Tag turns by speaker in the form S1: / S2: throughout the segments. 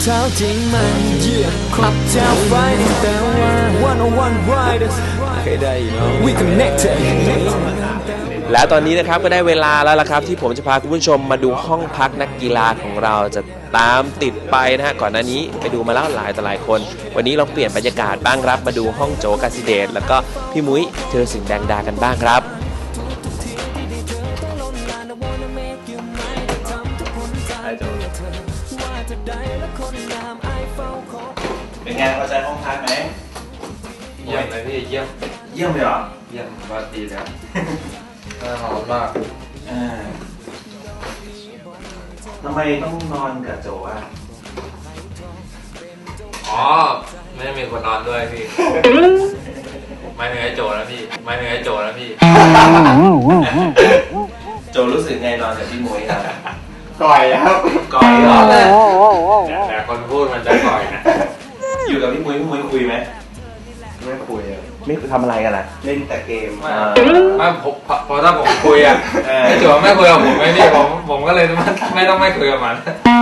S1: เท้าจริงมันเยี่ยมครบเท้าไฟแต่ว่า one riders เคยได้ยินไหม We connected
S2: แล้วตอนนี้นะครับก็ได้เวลาแล้วล่ะครับที่ผมจะพาคุณผู้ชมมาดูห้องพักนักกีฬาของเราจะตามติดไปนะฮะก่อนหน้านี้ไปดูมาแล้วหลายต่อหลายคนวันนี้เราเปลี่ยนบรรยากาศบ้างครับมาดูห้องโจกาสิเดชแล้วก็พี่มุ้ยเธอสิ่งแดงดากันบ้างครับ
S3: เป็นไงพอใจห้องพักไหม
S4: เยี่ยมเลยพี่เยี่ยม
S3: เลยเหรอ
S4: เยี่ยมว่าดีแล้วน่าหอมมาก
S3: ทำไมต้องนอนกับโจอ่ะ
S4: อ๋อไม่ได้มีคนนอนด้วยพี่ไม่เหนื่อยโจแล้วพี่ไม่เหนื่อยโจแล้วพี่
S3: โจรู้สึกไงนอนกับพี่มุ้ยครับ
S4: ก่อยครับ
S3: ก่อยเหรอ
S4: แต่คนพูดมันจะก่อยนะ
S3: อยู่กับพี่มุ้ยคุยไหม
S4: ไม่คุยอ่ะ
S3: ไม่ทำอะไรกันล่ะเล่นแต่เกม
S4: ไม่พอถ้าผมคุยอ่ะไอ้โจไม่คุยกับผมไม่พี่ผมก็เลยไม่ต้องไม่คุยกับมัน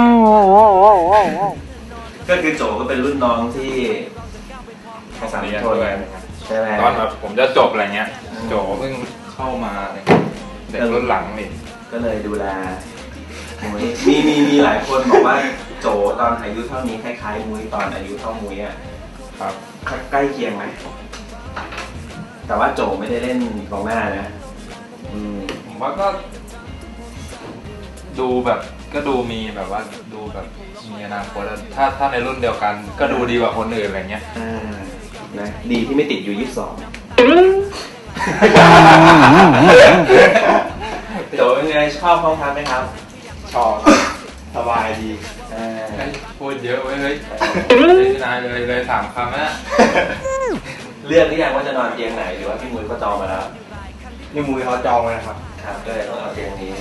S3: ก็คือโจก็เป็นรุ่นน้องที่
S4: ภาษาเรียนด้วย
S3: ใช่ไหม
S4: ตอนแบบผมจะจบอะไรเงี้ยโจเพิ่งเข้ามาเด็กรุ่นหลังนี่
S3: ก็เลยดูแลมีหลายคนบอกว่าโจตอนอายุเท่านี้คล้ายๆมุ้ยตอนอายุเท่ามุ้ยอ่ะ
S4: ครับ
S3: ใกล้เคียงไหมแต่ว่าโจไม่ได้เล่นกองหน้านะ
S4: ผมว่าก็ดูแบบก็ดูมีแบบว่าดูแบบมีอนาคตถ้าในรุ่นเดียวกันก็ดูดีกว่าคนอื่นอะไรเงี้ย
S3: นะดีที่ไม่ติดอยู่22โจเป็นไงชอบห้องพักไหมครับ
S4: ชอบสบายดีพูดเยอะไว้เฮ้ยนายเลยถามคำนะ
S3: เลือกหรือยังว่าจะนอนเตียงไหนหรือว่าพี่มุ้ยก็จองมาแล้ว
S4: พี่มุ้ยเขาจองไว้นะครับ
S3: ครับก็เลยต้องเอาเตียงนี้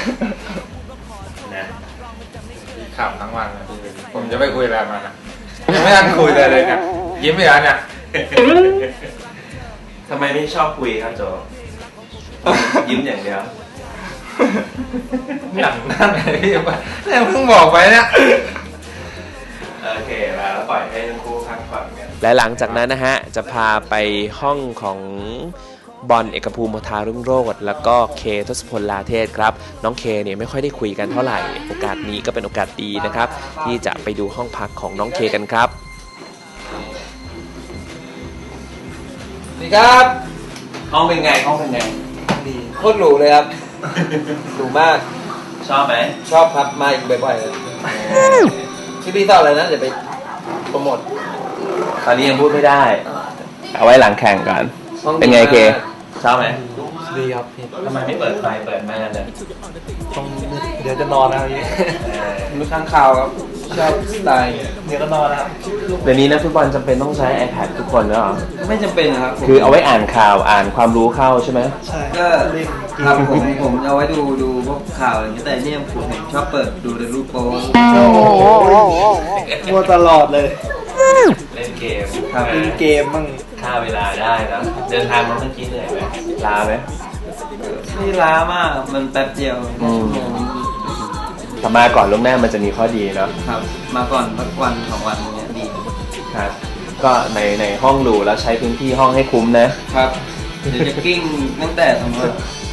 S3: นะ
S4: ขับทั้งวันผมจะไม่คุยอะไรมานะยังไม่ทันคุยเลยเนี่ยยิ้มไปแล้วเนี่ย
S3: ทำไมไม่ชอบคุยครับโจยิ้มอย่างเดียว
S4: อย่างนั้นเลยพี่เนี่ยเพิ่งบอกไปเนี่ย
S3: โอเคแล้วปล่อยให้ทั้งคู่พักผ่อนกัน
S2: และหลังจากนั้นนะฮะจะพาไปห้องของบอลเอกภูมิโมทารุ่งโรจน์แล้วก็เคทศพลลาเทศครับน้องเคเนี่ยไม่ค่อยได้คุยกันเท่าไหร่โอกาสนี้ก็เป็นโอกาสดีนะครับที่จะไปดูห้องพักของน้องเคกันครับ
S4: นี่ครับ
S3: ห้องเป็นไง
S4: ดีโคตรหรูเลยครับหรูมาก
S3: ชอบไหม
S4: ชอบครับมาอีกบ่อยๆเลยชื่อพี่ต่ออะไรนะเดี๋ยวไปโปรโมท
S3: ตอนนี้ยังพูดไม่ได้
S2: เอาไว้หลังแข่งก่อนเป็นไงเค
S3: ชอบไหม
S4: ดีครับพี่
S3: ทำไมไม่เปิดไฟเปิดม่านเนี่ย
S4: เดี๋ยวจะนอนนะครับพี่ดูข้างข่าวครับชอบสไตล์เดี๋ยวก็นอนนะครับ
S3: เดี๋ยวนี้นักฟุตบอลจำเป็นต้องใช้ iPad ทุกคนแล้วเหรอ
S4: ไม่จำเป็นนะครับ
S3: คือเอาไว้อ่านข่าวอ่านความรู้เข้าใช่ไหม
S4: ใช่ก็ครับผมเอาไว้ดูพวกข่าวอะไรอย่างเงี้ยแต่เนี่ยผมชอบเปิดดูในรูปโป๊มัวตลอดเลย
S3: เล่นเกม
S4: ครับเล่นเกมมั่ง
S3: ฆ่าเวลาได้นะเดินทางมาเมื่อกี้เหนื่อยไหมล้าไหม
S4: ไม่ล้ามากมันแป๊บเดียว
S3: ถ้ามาก่อนล่วงหน้ามันจะมีข้อดีเนาะ
S4: ครับมาก่อนสักวัน2 วันเนี้ยดี
S3: ครับก็ในห้องดูแล้วใช้พื้นที่ห้องให้คุ้มนะครับ
S4: เดี๋ยวจะกิ้งตั้งแต่สมมติ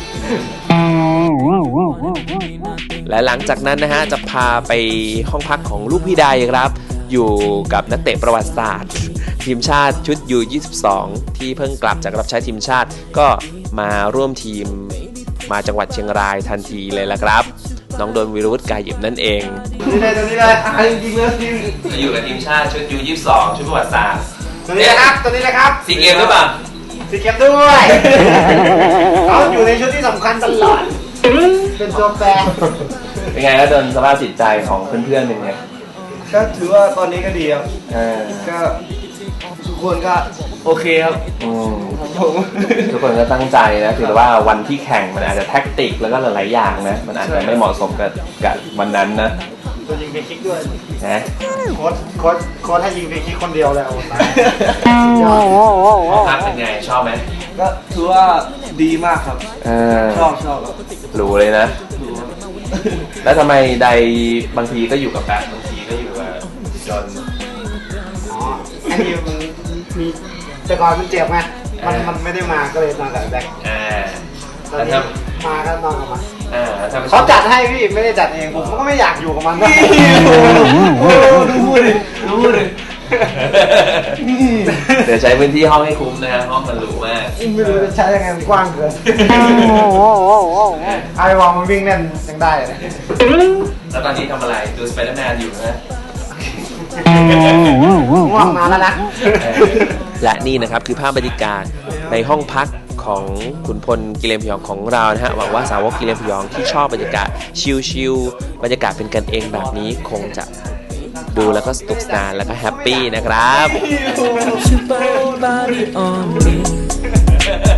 S2: และหลังจากนั้นนะฮะจะพาไปห้องพักของลูกพี่ใดครับอยู่กับนักเตะประวัติศาสตร์ทีมชาติชุดU22ที่เพิ่งกลับจากรับใช้ทีมชาติก็มาร่วมทีมมาจังหวัดเชียงรายทันทีเลยละครับน้องโดนวิรุธกายหยิบนั่นเอง
S4: นี่เลยตัวนี้เลยจริงๆเลย
S3: จะอยู่กับทีมชาติชุดU22ชุดประวัติศาสตร์
S4: ตัวนี้เลยครับตัวนี้เลยครับ
S3: ซีเกมหรือเปล่า
S4: ซีเกมด้วยเขาอยู่ในชุดที่สำคัญตลอดเป็นตัวแปร
S3: เป็นไงแล้วโดนสภาพจิตใจของเพื่อนๆเป็นไง
S4: ก็ถือว่าตอนนี้ก็ดีครับก็ทุกคนก็โอเคครับ
S3: ทุกคนก็ตั้งใจนะถือว่าวันที่แข่งมันอาจจะแท็กติกแล้วก็หลายๆอย่างนะมันอาจจะไม่เหมาะสมกับวันนั้นนะ
S4: ตัวยิงฟรีคิกด้วย
S3: นะ
S4: โค้ชให้ยิงฟรีคิกคนเดียวแล้ว
S3: พักเป็นไงชอบไหม
S4: ก็ถือว่าดีมากครับชอบครับ
S3: รู้เลยนะแล้วทำไมใดบางทีก็อยู่กับแฟนบางทีก็อยู่กับจน
S5: อ๋ออันนี้มันมีแต่ก่อนมันเจ็บไงมันไม่ได้มาก็เลยนอนกับแบ็คตอนนี้มาก็นอนกับมันเขาจัดให้พี่ไม่ได้จัดเองผมก็ไม่อยากอยู่กับมันด้วย
S3: รู้เลยเดี๋ยวใช้พื้นที่ห้องให้คุ้มนะฮะห้องมันหรูมาก
S5: ไม่รู้จะใช้ยังไงมันกว้างเกินไอ้วองมันวิ่งเล่นยังได้เลย
S3: แล้วตอนนี้ทำอะไรดูสไปเดอร์แมนอยู่นะ
S5: ง่วงนอนแล้วนะ
S2: และนี่นะครับคือภาพบรรยากาศในห้องพักของขุนพลกิเลนพยองของเรานะฮะหวังว่าสาวกกิเลนพยองที่ชอบบรรยากาศชิลๆบรรยากาศเป็นกันเองแบบนี้คงจะดูแล้วก็สนุกสนานแล้วก็แฮปปี้นะครับ